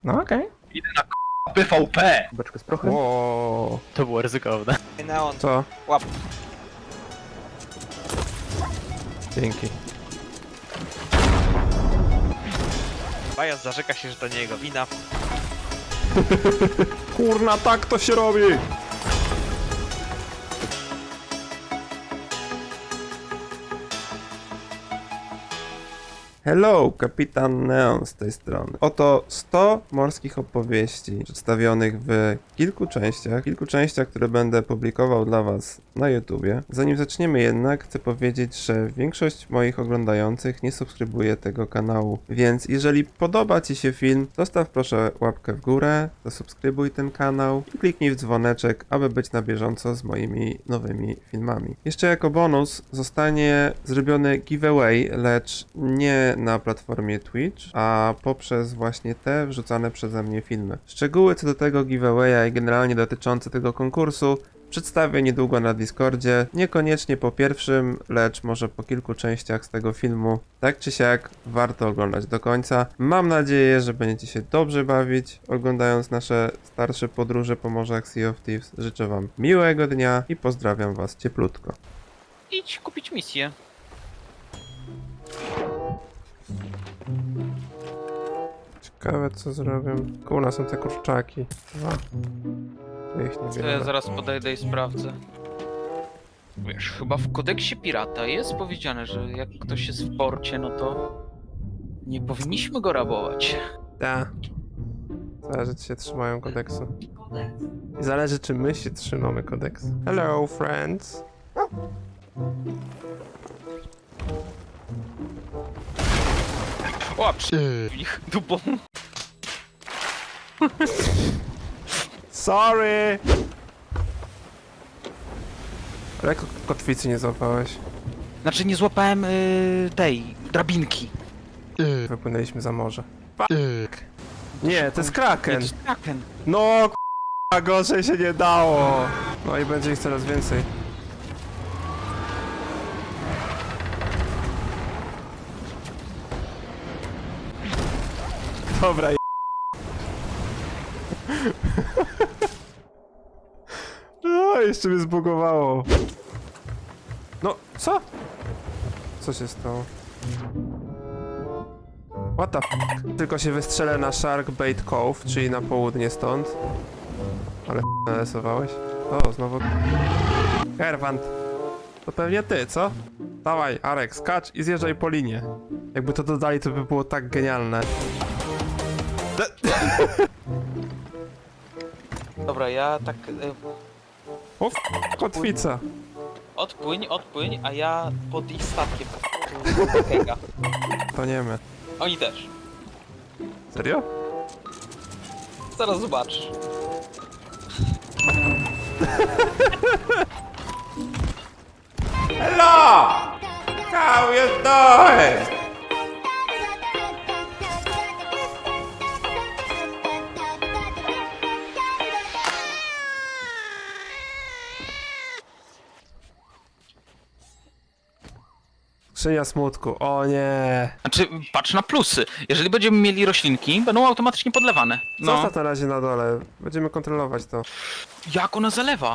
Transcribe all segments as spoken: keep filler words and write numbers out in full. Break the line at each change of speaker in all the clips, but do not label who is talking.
No okej.
Idę na k***a P V P!
Beczkę z prochem.
Wow.
To było ryzykowne.
Neon.
Co?
Łap.
Dzięki.
Bajas zarzeka się, że to nie jego wina.
Kurna, tak to się robi! Hello, kapitan Neon z tej strony. Oto sto morskich opowieści przedstawionych w kilku częściach, kilku częściach, które będę publikował dla was na YouTubie. Zanim zaczniemy jednak, chcę powiedzieć, że większość moich oglądających nie subskrybuje tego kanału, więc jeżeli podoba ci się film, zostaw proszę łapkę w górę, zasubskrybuj ten kanał i kliknij w dzwoneczek, aby być na bieżąco z moimi nowymi filmami. Jeszcze jako bonus zostanie zrobiony giveaway, lecz nie na platformie Twitch, a poprzez właśnie te wrzucane przeze mnie filmy. Szczegóły co do tego giveawaya i generalnie dotyczące tego konkursu przedstawię niedługo na Discordzie, niekoniecznie po pierwszym, lecz może po kilku częściach z tego filmu. Tak czy siak, warto oglądać do końca. Mam nadzieję, że będziecie się dobrze bawić, oglądając nasze starsze podróże po morzach Sea of Thieves. Życzę wam miłego dnia i pozdrawiam was cieplutko.
Idź kupić misję.
Ciekawe co zrobię. Koło nas są te kurczaki. Dwa. To ich nie
To ja
biorę.
zaraz podejdę i sprawdzę. Wiesz, chyba w kodeksie pirata jest powiedziane, że jak ktoś jest w porcie, no to nie powinniśmy go rabować.
Da. Zależy czy się trzymają kodeksu. I zależy czy my się trzymamy kodeksu. Hello friends.
O, przy ich dupą.
Sorry! Ale jak kotwicy nie złapałeś?
Znaczy nie złapałem y, tej drabinki.
Wypłynęliśmy za morze. Fuck. Nie, to jest
Nie,
kraken.
to jest kraken.
No k***a, gorzej się nie dało. No i będzie ich coraz więcej. Dobra, je... No, jeszcze mnie zbugowało. No, co? Co się stało? What the f***? Tylko się wystrzelę na Sharkbait Cove, czyli na południe stąd. Ale f*** narysowałeś? O, znowu... Herwant. To pewnie ty, co? Dawaj, Arek, skacz i zjeżdżaj po linie. Jakby to dodali, to by było tak genialne.
Dobra, ja tak... Y,
O, f***, kotwica.
odpłyń, odpłyń, a ja pod ich statkiem. Kega.
To nie my.
Oni też.
Serio?
Zaraz zobaczysz.
Hello! How you doing? Skrzynia smutku, o nie.
Znaczy, patrz na plusy. Jeżeli będziemy mieli roślinki, będą automatycznie podlewane. No,
Zostaw na razie na dole, będziemy kontrolować to.
jak ona zalewa?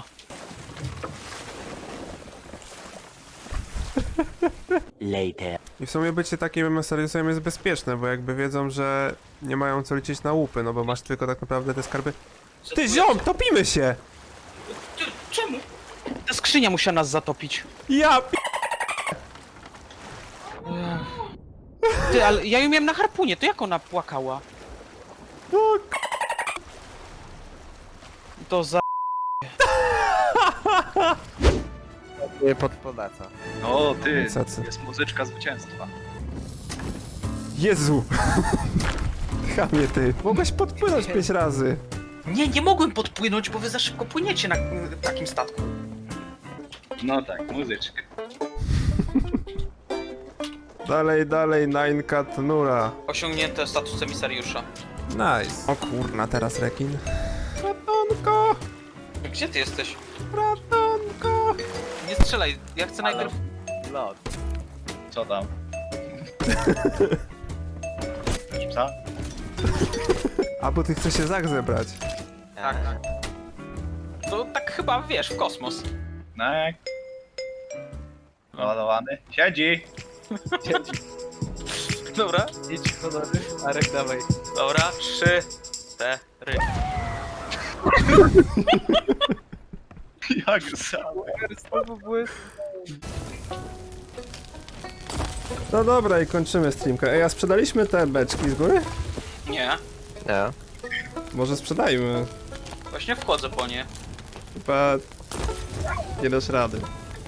Later.
I w sumie bycie takim serwisem jest bezpieczne, bo jakby wiedzą, że nie mają co liczyć na łupy, no bo masz tylko tak naprawdę te skarby. Ty ziom, topimy się!
Ty, czemu? Ta skrzynia musiała nas zatopić.
Ja p...
Ty, ale ja ją miałem na harpunie, to jak ona płakała?
O, k-
To za...
Nie podpoleca.
No ty,
Cacy.
jest muzyczka zwycięstwa.
Jezu! Chamie ty, mogłeś podpłynąć pięć razy.
Nie, nie mogłem podpłynąć, bo wy za szybko płyniecie na y, takim statku.
No tak, muzyczka.
Dalej, dalej, nine cat nura.
Osiągnięte status emisariusza.
Nice. O kurna, teraz rekin. Ratonko!
Gdzie ty jesteś?
Ratonko!
Nie strzelaj, ja chcę najpierw...
Lot.
Co tam? Co?
A, bo ty chcesz się zak zebrać.
Tak, tak. To tak chyba, wiesz, w kosmos.
No jak? Ładowany. Siedzi!
Dobra,
Idź honory. Arek, dawaj.
dobra, trzy, cztery.
Jak sam.
No dobra, i kończymy streamkę. Ej, a sprzedaliśmy te beczki z góry?
Nie,
Nie.
Może sprzedajmy.
właśnie wchodzę po nie.
Chyba nie dasz rady.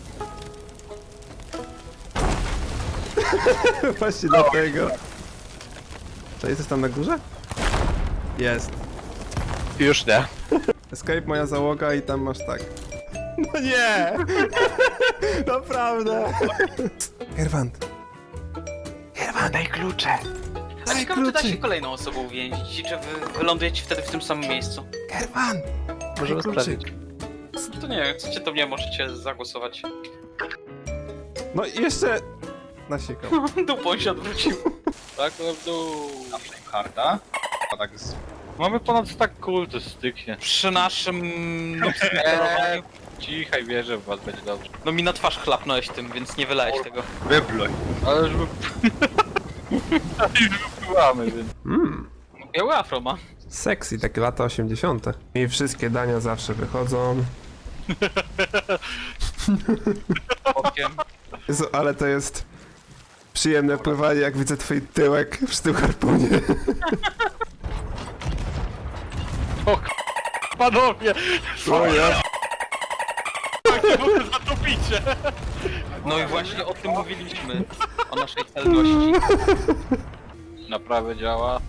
Właśnie dlatego. Czy jest tam na górze? Jest.
Już nie.
Escape moja załoga i tam masz tak. No nie! Naprawdę! Herwant. Herwant, daj klucze!
A
Daj
ciekawe, czy da się
kluczyk!
kolejną osobą uwięzić i czy wy wylądujecie wtedy w tym samym miejscu?
Herwant!
Możemy
Daj
sprawdzić.
To nie wiem, chcecie, to mnie możecie zagłosować.
No i jeszcze... Nasikał.
Dupą się odwrócił.
Tak, no w dół.
Na Flamehearta. A tak z...
Mamy ponad tak kul, to styknie.
Przy naszym...
Eee, cichaj, wierzę w was, będzie dobrze.
No mi na twarz chlapnąłeś tym, więc nie wylałeś tego.
Wypluj.
Ale już wy... Ale już wypływamy, więc...
Mmm.
Biały afro ma.
Sexy, takie lata osiemdziesiąte. I wszystkie dania zawsze wychodzą.
Okiem.
Jezu, ale to jest przyjemne pływanie, jak widzę twój tyłek przy tym harpunie.
O k... Panowie!
O ja.
Nie mogę zatopicie!
No i właśnie o tym mówiliśmy. O naszej celności.
Naprawę działa.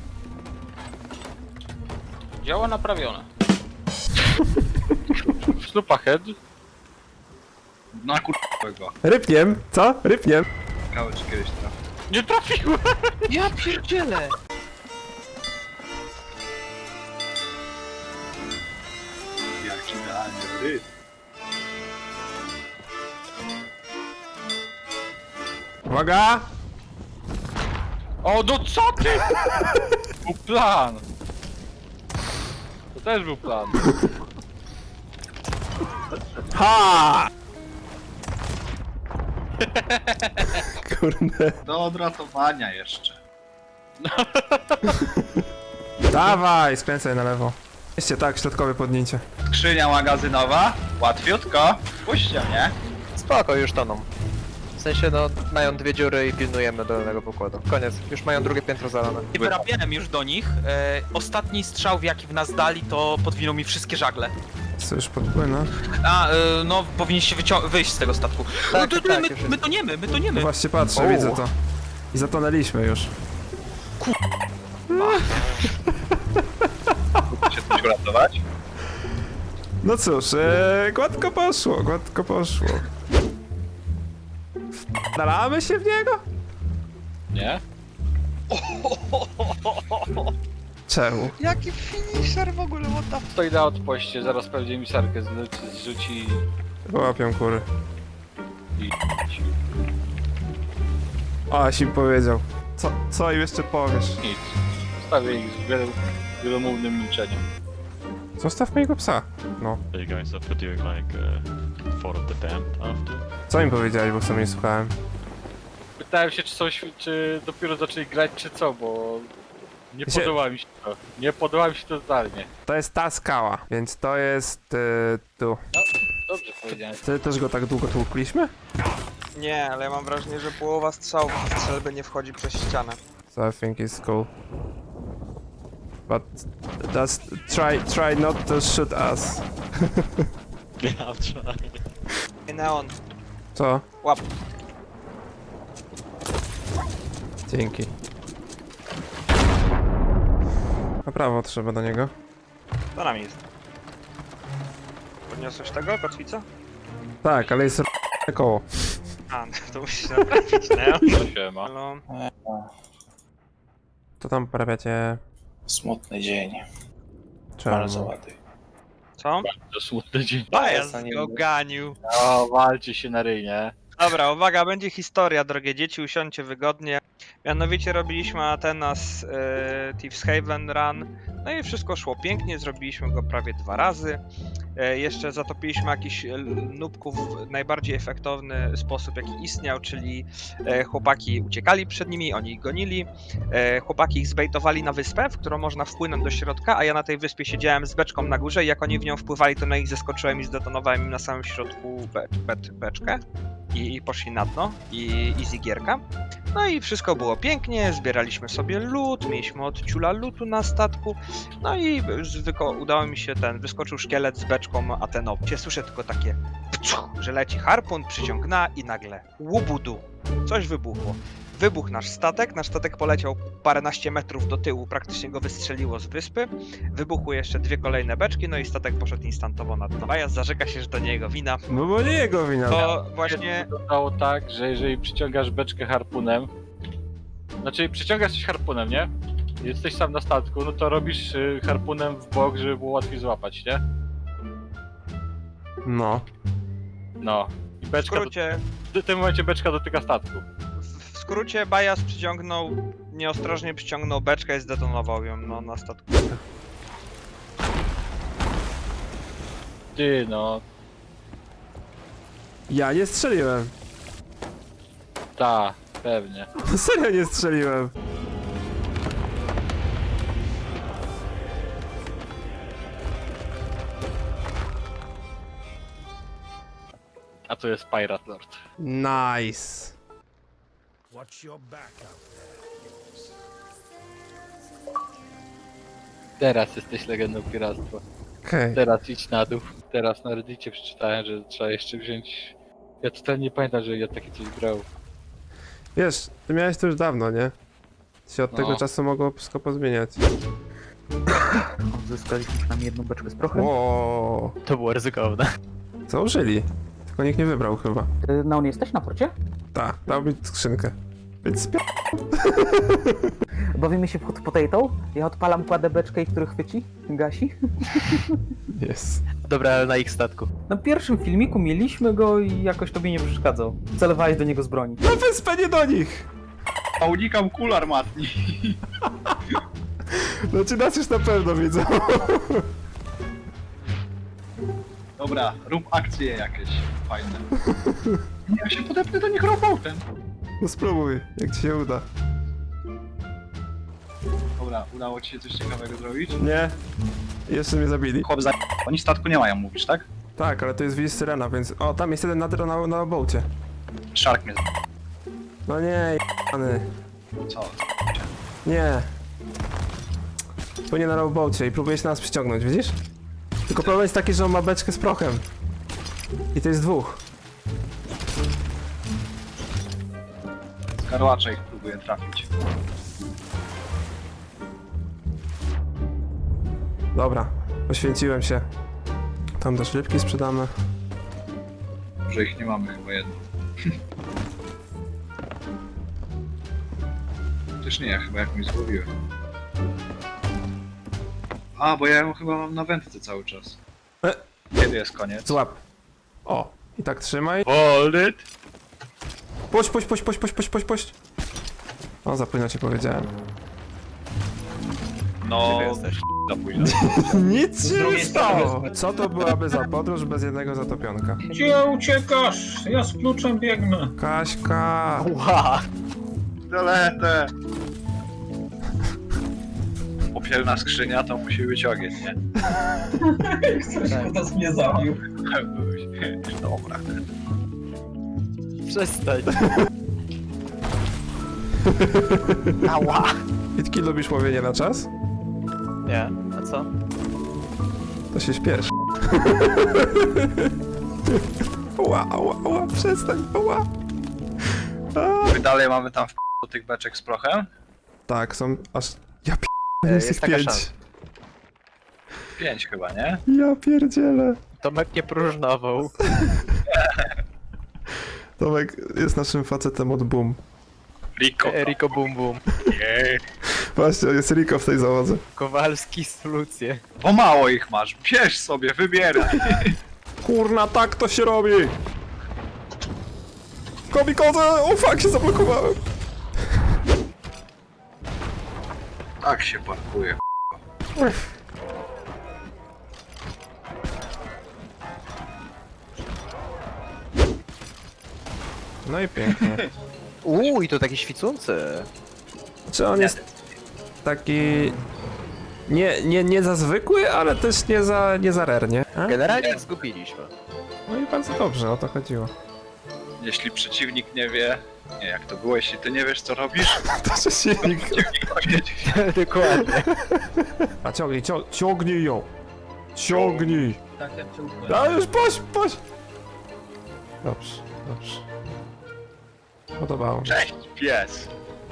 Działa naprawione.
Szlupa head.
Na kurwego.
Rypniem, co? Rypniem.
Ciekawe czy kiedyś trafi.
Nie trafiłem!
Ja pierdzielę!
Jak idealnie ty.
Uwaga!
O, no co ty? Był plan! To też był plan.
Ha! Kurde.
Do odratowania jeszcze.
Dawaj, skręcaj na lewo. Jeszcze tak, środkowe podnięcie.
Skrzynia magazynowa. Łatwiutko. Puśćcie mnie.
Spoko, już toną. W sensie, no, mają dwie dziury i pilnujemy dolnego pokładu. Koniec, już mają drugie piętro zalane.
I wyrabiałem już do nich. E, ostatni strzał, w jaki w nas dali, to podwinął mi wszystkie żagle.
Co już podpłynę?
A, e, no powinniście wycią- wyjść z tego statku.
Tak,
no to, to,
tak,
my,
już jest.
my toniemy, my
No
toniemy.
właśnie patrzę,
O.
widzę to. I zatonęliśmy już.
Się coś uratować?
No cóż, e, gładko poszło, gładko poszło. Wdalamy się w niego?
Nie?
Czemu?
Jaki finisher w ogóle, what the...
Stoi na odpoście, zaraz pewnie mi sarkę zleci- zrzuci
Łapią kury.
i...
O, aś im powiedział. Co, co im jeszcze powiesz?
nic. Zostawię ich z wielo- wielomównym milczeniem.
Zostaw mojego psa. No.
Are you guys up for doing like uh, Fort of the Damned after?
Co im powiedziałeś, bo sam nie słuchałem?
Pytałem się, czy są, świ- czy dopiero zaczęli grać, czy co, bo... Nie
Się-
podoba mi się to. Nie podoba mi się to totalnie.
To jest ta skała, więc to jest y, tu.
Dobrze powiedziałem.
Ty też go tak długo tłukliśmy?
Nie, ale ja mam wrażenie, że połowa strzałów w strzelbę nie wchodzi przez ścianę.
So I think it's cool. But just try try not to shoot us.
Yeah, I'll try.
Ej, Neon,
Co?
łap.
Dzięki. Na prawo trzeba do niego.
To nam jest. Podniosłeś tego, kotwica?
Tak, ale jest r- koło.
A, no to musisz naprawić, Neon.
No siema.
Halo?
To tam poprawiacie...
Smutny dzień.
Czemu?
ładny.
Co?
To smutny dzień.
Bajas go ganił.
O, walcie się na ryj, nie?
Dobra, uwaga, będzie historia, drogie dzieci, usiądźcie wygodnie. Mianowicie robiliśmy Atenas e, Thieves Haven Run, no i wszystko szło pięknie, zrobiliśmy go prawie dwa razy. E, jeszcze zatopiliśmy jakiś e, nubków w najbardziej efektowny sposób, jaki istniał, czyli e, chłopaki uciekali przed nimi, oni ich gonili. E, chłopaki ich zbejtowali na wyspę, w którą można wpłynąć do środka, a ja na tej wyspie siedziałem z beczką na górze i jak oni w nią wpływali, to na nich zeskoczyłem i zdetonowałem im na samym środku be be beczkę. I, i poszli na dno i easy gierka. No i wszystko było pięknie, zbieraliśmy sobie loot, mieliśmy od ciula lootu na statku, no i zwyko, udało mi się ten, wyskoczył szkielet z beczką Atenopcie, słyszę tylko takie pciuch, że leci harpun, przyciągna i nagle łubudu, coś wybuchło. Wybuchł nasz statek, nasz statek poleciał paręnaście metrów do tyłu, praktycznie go wystrzeliło z wyspy. Wybuchły jeszcze dwie kolejne beczki, no i statek poszedł instantowo na dno. Bajas zarzeka się, że to nie jego wina.
No bo nie jego wina.
To właśnie...
Wyglądało tak, że jeżeli przyciągasz beczkę harpunem, znaczy przyciągasz coś harpunem, nie? Jesteś sam na statku, no to robisz y, harpunem w bok, żeby było łatwiej złapać, nie?
No.
No. I
W
beczka, do,
skrócie,
w tym momencie beczka dotyka statku.
w skrócie Bajas przyciągnął, nieostrożnie przyciągnął beczkę i zdetonował ją no, na statku.
Ty no,
Ja nie strzeliłem.
ta, pewnie.
No serio nie strzeliłem.
A to jest Pirate Lord.
Nice.
Teraz jesteś legendą piractwa.
Okej.
Teraz idź na dół. Teraz na Reddicie przeczytałem, że trzeba jeszcze wziąć... Ja totalnie nie pamiętam, że ja takie coś brał.
Wiesz, ty miałeś to już dawno, nie? Się od
No.
tego czasu mogło wszystko pozmieniać.
Odzyskaliśmy przynajmniej jedną beczkę z prochem.
O,
To było ryzykowne.
założyli. Tylko nikt nie wybrał chyba.
Ty na on jesteś na porcie?
Tak, dał mi skrzynkę. Więc spia...
Bawimy się pod potato, ja odpalam, kładę beczkę i który chwyci, gasi.
Jest.
Dobra, ale na ich statku.
Na pierwszym filmiku mieliśmy go i jakoś tobie nie przeszkadzał. Celowałeś do niego z broni.
Na wyspę, nie do nich!
A unikam kul armatni.
Znaczy nas już na pewno widzą.
Dobra, rób akcje jakieś fajne. Nie, ja się podepnę do nich robautem.
No spróbuj, jak ci się uda.
Dobra, udało ci się coś ciekawego zrobić?
Nie. Jeszcze mnie zabili.
Chłop za... Oni statku nie mają, mówisz, tak?
Tak, ale to jest Willis Syrena, więc... O, tam jest jeden na, na, na bołcie.
Shark mnie
No nie, jany.
z... Co?
Nie. Płynie na rowboacie i próbuje się nas przyciągnąć, widzisz? Tylko problem jest taki, że on ma beczkę z prochem. I to jest dwóch.
Z karłacza ich próbuję trafić.
Dobra, poświęciłem się. Tam też rybki sprzedamy.
Że ich nie mamy chyba jedno. Też nie, ja chyba jakąś złowiłem. A, bo ja ją chyba mam na wędce cały czas.
E.
Kiedy jest koniec?
Złap. O, i tak trzymaj.
Hold it!
Puść, puść, puść, puść, puść, puść, puść, puść. O, za późno ci powiedziałem.
No, za późno.
Nic się nie stało! Co to byłaby za podróż bez jednego zatopionka?
Gdzie uciekasz? Ja z kluczem biegnę.
Kaśka!
Ła!
Doletę! Popielna skrzynia to musi być ogień, nie?
Ktoś teraz mnie zabił.
Dobra.
Przestań. Ała!
Witki, lubisz łowienie na czas?
Nie, a co?
To się śpiesz. Ła, ła, ła, przestań, ła. A.
My dalej mamy tam w do tych beczek z prochem?
Tak, są aż... Ja p...
E,
jest
jest
ich
taka
pięć.
szansa.
Pięć chyba, nie?
Ja pierdzielę.
Tomek nie próżnował.
Tomek jest naszym facetem od boom.
Rico.
Eriko Bum Bum.
Właśnie, jest Rico w tej załodze.
Kowalski solucje.
Bo mało ich masz, bierz sobie, wybieraj.
Kurna, tak to się robi! Komikodze! O fuck, się zablokowałem!
Tak się parkuje.
No i pięknie.
Uuu, i to taki świecący.
Czy on jest taki... Nie, nie, nie za zwykły, ale też nie za, nie za rare, nie? A?
Generalnie ich zgubiliśmy.
No i bardzo dobrze, o to chodziło.
Jeśli przeciwnik nie wie... Nie, jak to było, jeśli ty nie wiesz co robisz,
To przeciwnik.
przeciwnik to wiedzie.
Dokładnie.
A ciągnij, ciąg, ciągnij ją! Ciągnij!
Tak jak
A już poś, poś! Dobrze, dobrze. Podobało mi się.
Cześć, pies!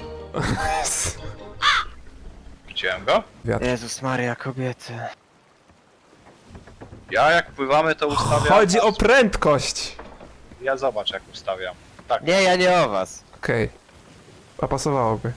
Widziałem go?
Jezus Maria, kobiety.
Ja jak pływamy to ustawiam...
Chodzi o prędkość!
Ja zobacz jak ustawiam. Tak,
Nie, ja nie o was.
Okej. A pasowałoby.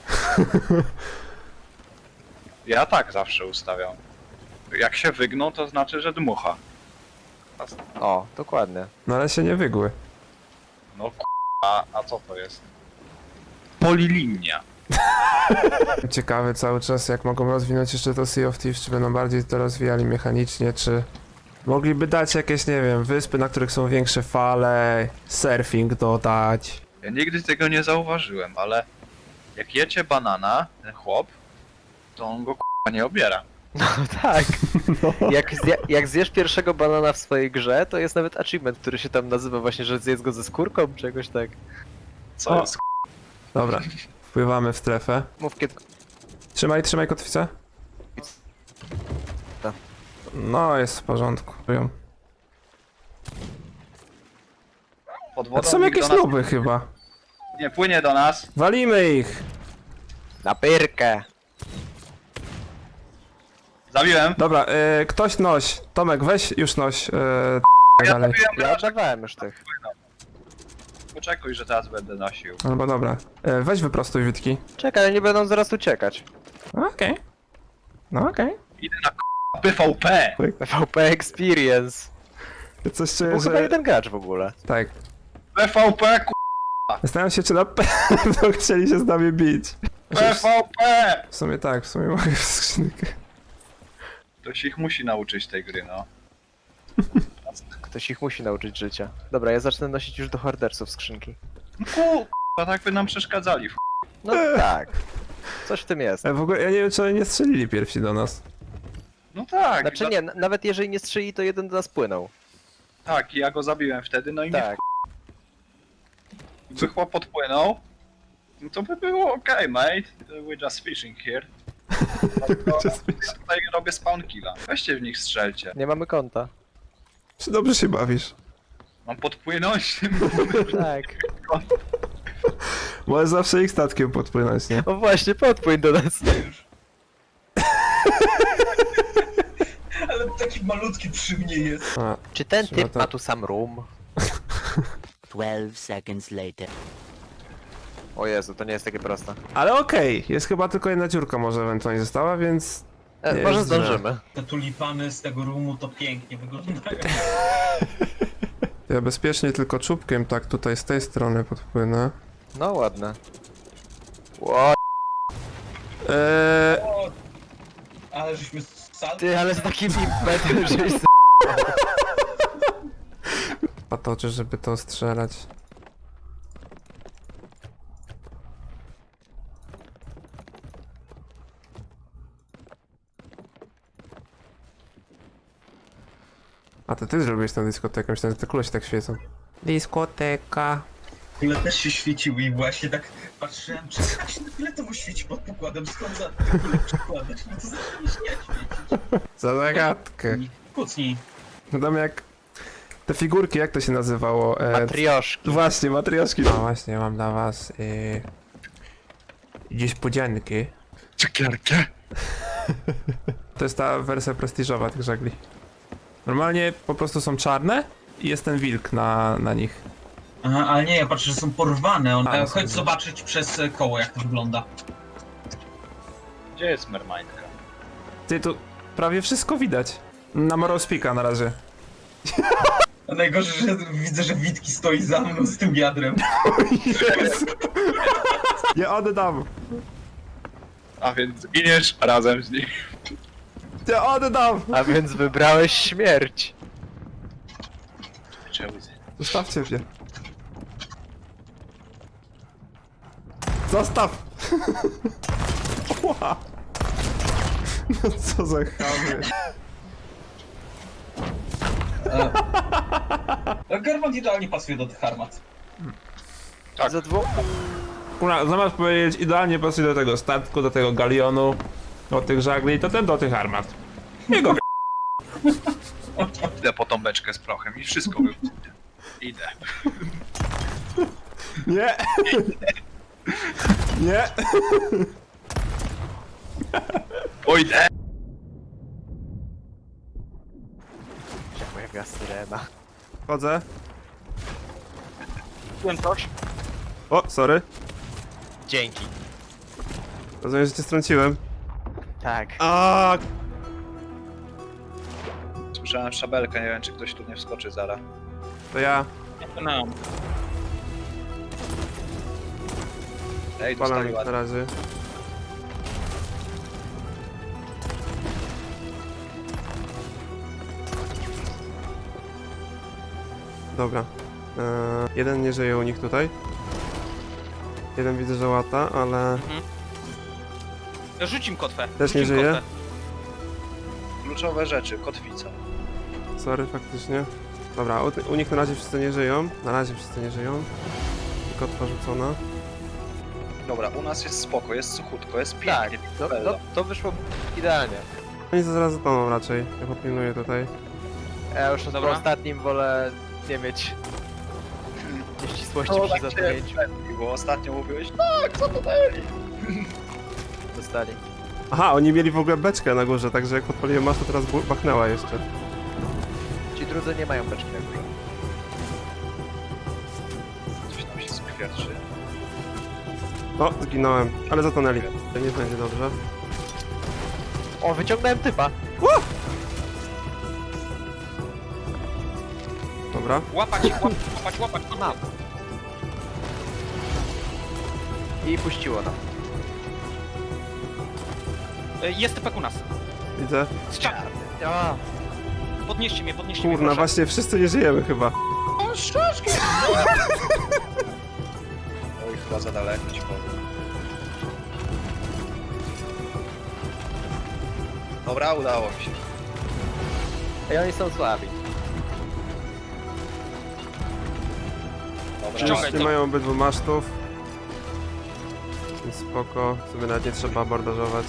ja tak zawsze ustawiam. Jak się wygną, to znaczy, że dmucha.
O, dokładnie.
No ale się nie wygły.
No k***a, a co to jest? Polilinia.
Ciekawy cały czas, jak mogą rozwinąć jeszcze to Sea of Thieves, czy będą bardziej to rozwijali mechanicznie, czy... Mogliby dać jakieś, nie wiem, wyspy, na których są większe fale, surfing dodać.
Ja nigdy tego nie zauważyłem, ale jak jecie banana, ten chłop, to on go k***a nie obiera.
No tak. Jak, zje, jak zjesz pierwszego banana w swojej grze, to jest nawet achievement, który się tam nazywa właśnie, że zjedz go ze skórką, czy jakoś tak.
Co
O.
jest k***a?
Dobra, wpływamy w strefę.
Mów kiedy...
Trzymaj, trzymaj kotwicę.
Tak.
No, jest w porządku. Ją.
Pod
A
wodą
to są
nikt
jakieś
do nas
nuby chyba.
nie płynie do nas.
Walimy ich!
Na pyrkę.
Zabiłem.
Dobra, y, ktoś noś. Tomek, weź już noś. Y, tak
Ja
dalej.
zabiłem
Ja
raczej.
oddawałem już tych.
Poczekuj, że teraz będę nosił.
Albo dobra. Y, weź wyprostuj Witki.
Czekaj, oni będą zaraz uciekać.
Okej. No okej.
Idę na k***a P V P.
P V P Experience.
Coś
Był
czuję,
chyba
że...
jeden gracz w ogóle.
Tak.
P V P k***a
Zastanawiam się, czy na pewno chcieli się z nami bić.
P V P.
W sumie tak, w sumie mogę w skrzynkę.
Ktoś ich musi nauczyć tej gry, no.
Ktoś ich musi nauczyć życia. Dobra, ja zacznę nosić już do hordersów skrzynki.
No ku... a tak by nam przeszkadzali. w
No tak. Coś w tym jest.
E, w ogóle ja nie wiem, czy oni nie strzelili pierwsi do nas.
No tak.
Znaczy
dla-
nie, n- nawet jeżeli nie strzeli, to jeden do nas płynął.
Tak, i ja go zabiłem wtedy, no i mnie
Tak.
Gdyby chłop podpłynął, no to by było okej, mate. We're just fishing here. No to, ja tutaj robię spawn killa. Weźcie w nich strzelcie.
Nie mamy konta.
Czy dobrze się bawisz?
Mam podpłynąć?
Tak.
Możesz zawsze ich statkiem podpłynąć, nie?
O właśnie, podpłyń do nas.
Ale taki malutki przy mnie jest.
A,
Czy ten
Trzeba
typ
to-
ma tu sam room?
twelve seconds later.
O Jezu, to nie jest takie proste.
ale okej, jest chyba tylko jedna dziurka może ewentualnie została, więc...
E,
Nie
może
jest źle.
zdążymy.
Te tulipany z tego roomu to pięknie wyglądają.
Ja bezpiecznie tylko czubkiem tak tutaj z tej strony podpłynę.
No ładne. Ło,
Eee,
O, ale żeśmy sal...
ty, ale z takim impetem, żeś z...
patoczy, żeby to strzelać. A to ty zrobiłeś tę dyskotekę, myślałem, że te kule się tak świecą. Dyskoteka.
Kule też się świeciły i właśnie tak patrzyłem, czy tak się na fioletowo świeci pod pokładem, skąd za te kule przykładać, no to zaczęło się nie świecić.
Za zagadkę.
Kucnij.
No tam jak... Te figurki, jak to się nazywało? E,
Matrioszki.
Właśnie, matrioszki. No właśnie, mam dla was... Yy... niespodzianki.
Cukierkę?
To jest ta wersja prestiżowa tych żagli. Normalnie po prostu są czarne i jest ten wilk na, na nich.
Aha, ale nie, ja patrzę, że są porwane. On...
A,
E,
są-
chodź zobaczyć przez e, koło, jak to wygląda.
Gdzie jest mermaidka?
Ty, tu prawie wszystko widać. Na Morospeaka na razie.
A najgorzej, że widzę, że Witki stoi za mną z tym wiadrem.
Nie oddam!
A więc giniesz razem z nim.
Cię oddam!
A więc wybrałeś śmierć.
Zostawcie mnie. Zostaw! Ła. No co za chamy.
Gerwant idealnie pasuje do tych armat.
Tak.
Za dwóch.
Kurwa, zamiast powiedzieć idealnie pasuje do tego statku, do tego galionu, do tych żagli, to ten do tych armat. Jego
Idę po tą beczkę z prochem i wszystko wybuchnie. Idę.
Nie! Nie!
Pójdę!
Jaka syrena.
Chodzę.
Byłem coś.
O, sorry.
Dzięki.
Rozumiem, że cię strąciłem.
Tak.
A,
Słyszałem szabelkę, nie wiem czy ktoś tu nie wskoczy zaraz.
to ja.
No.
Ej,
Palam
dostali
ich na
ładnie.
razie. Dobra. Eee, jeden nie żyje u nich tutaj. Jeden widzę, że łata, ale
Rzuć im kotwę.
Też
Rzuć
nie
im
żyje?
kotwę.
Kluczowe rzeczy, kotwica.
sorry, faktycznie. Dobra, u, ty- u nich na razie wszyscy nie żyją. Na razie wszyscy nie żyją. Kotwa rzucona.
Dobra, u nas jest spoko, jest suchutko, jest
Tak,
pięknie.
to,
Bella.
to, to wyszło idealnie.
Oni zaraz zatoną raczej. Ja popilnuję tutaj.
Ja już po
Dobra.
ostatnim wolę nie mieć nieścisłości
No,
przy
tak się
zatonięciu.
Bo ostatnio mówiłeś, tak, co to dali?
Dostali.
Aha, oni mieli w ogóle beczkę na górze, także jak podpaliłem masz, to teraz bu- bachnęła jeszcze.
Ci drudzy nie mają beczki na górze.
Coś tam się skwierczy.
O, zginąłem, ale zatonęli. To nie będzie dobrze.
O, wyciągnąłem typa.
Dobra.
Łapać, łapać, łapać, łapać.
Mam. I puściło nam.
E, Jest typek u nas.
Widzę.
Strzał.
A,
Podnieście mnie, podnieście mnie,
Kurna,
proszę.
właśnie wszyscy nie żyjemy chyba.
Oj, chyba za daleko ci powiem. Dobra, udało mi się.
i oni są słabi.
Dobra,
Ściągaj
Nie
to.
mają obydwu masztów. Więc spoko, sobie nawet nie trzeba abordażować.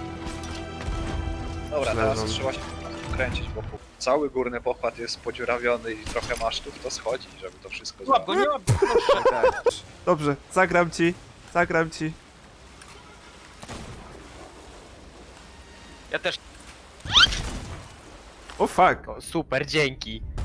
dobra
Leżą.
teraz trzeba się kręcić, bo póki cały górny pokład jest podziurawiony i trochę masztów, to schodzi, żeby to wszystko
Łap go, nie łap go, proszę.
Tak.
Dobrze, zagram ci, zagram ci.
Ja też.
O fuck.
O, super, dzięki.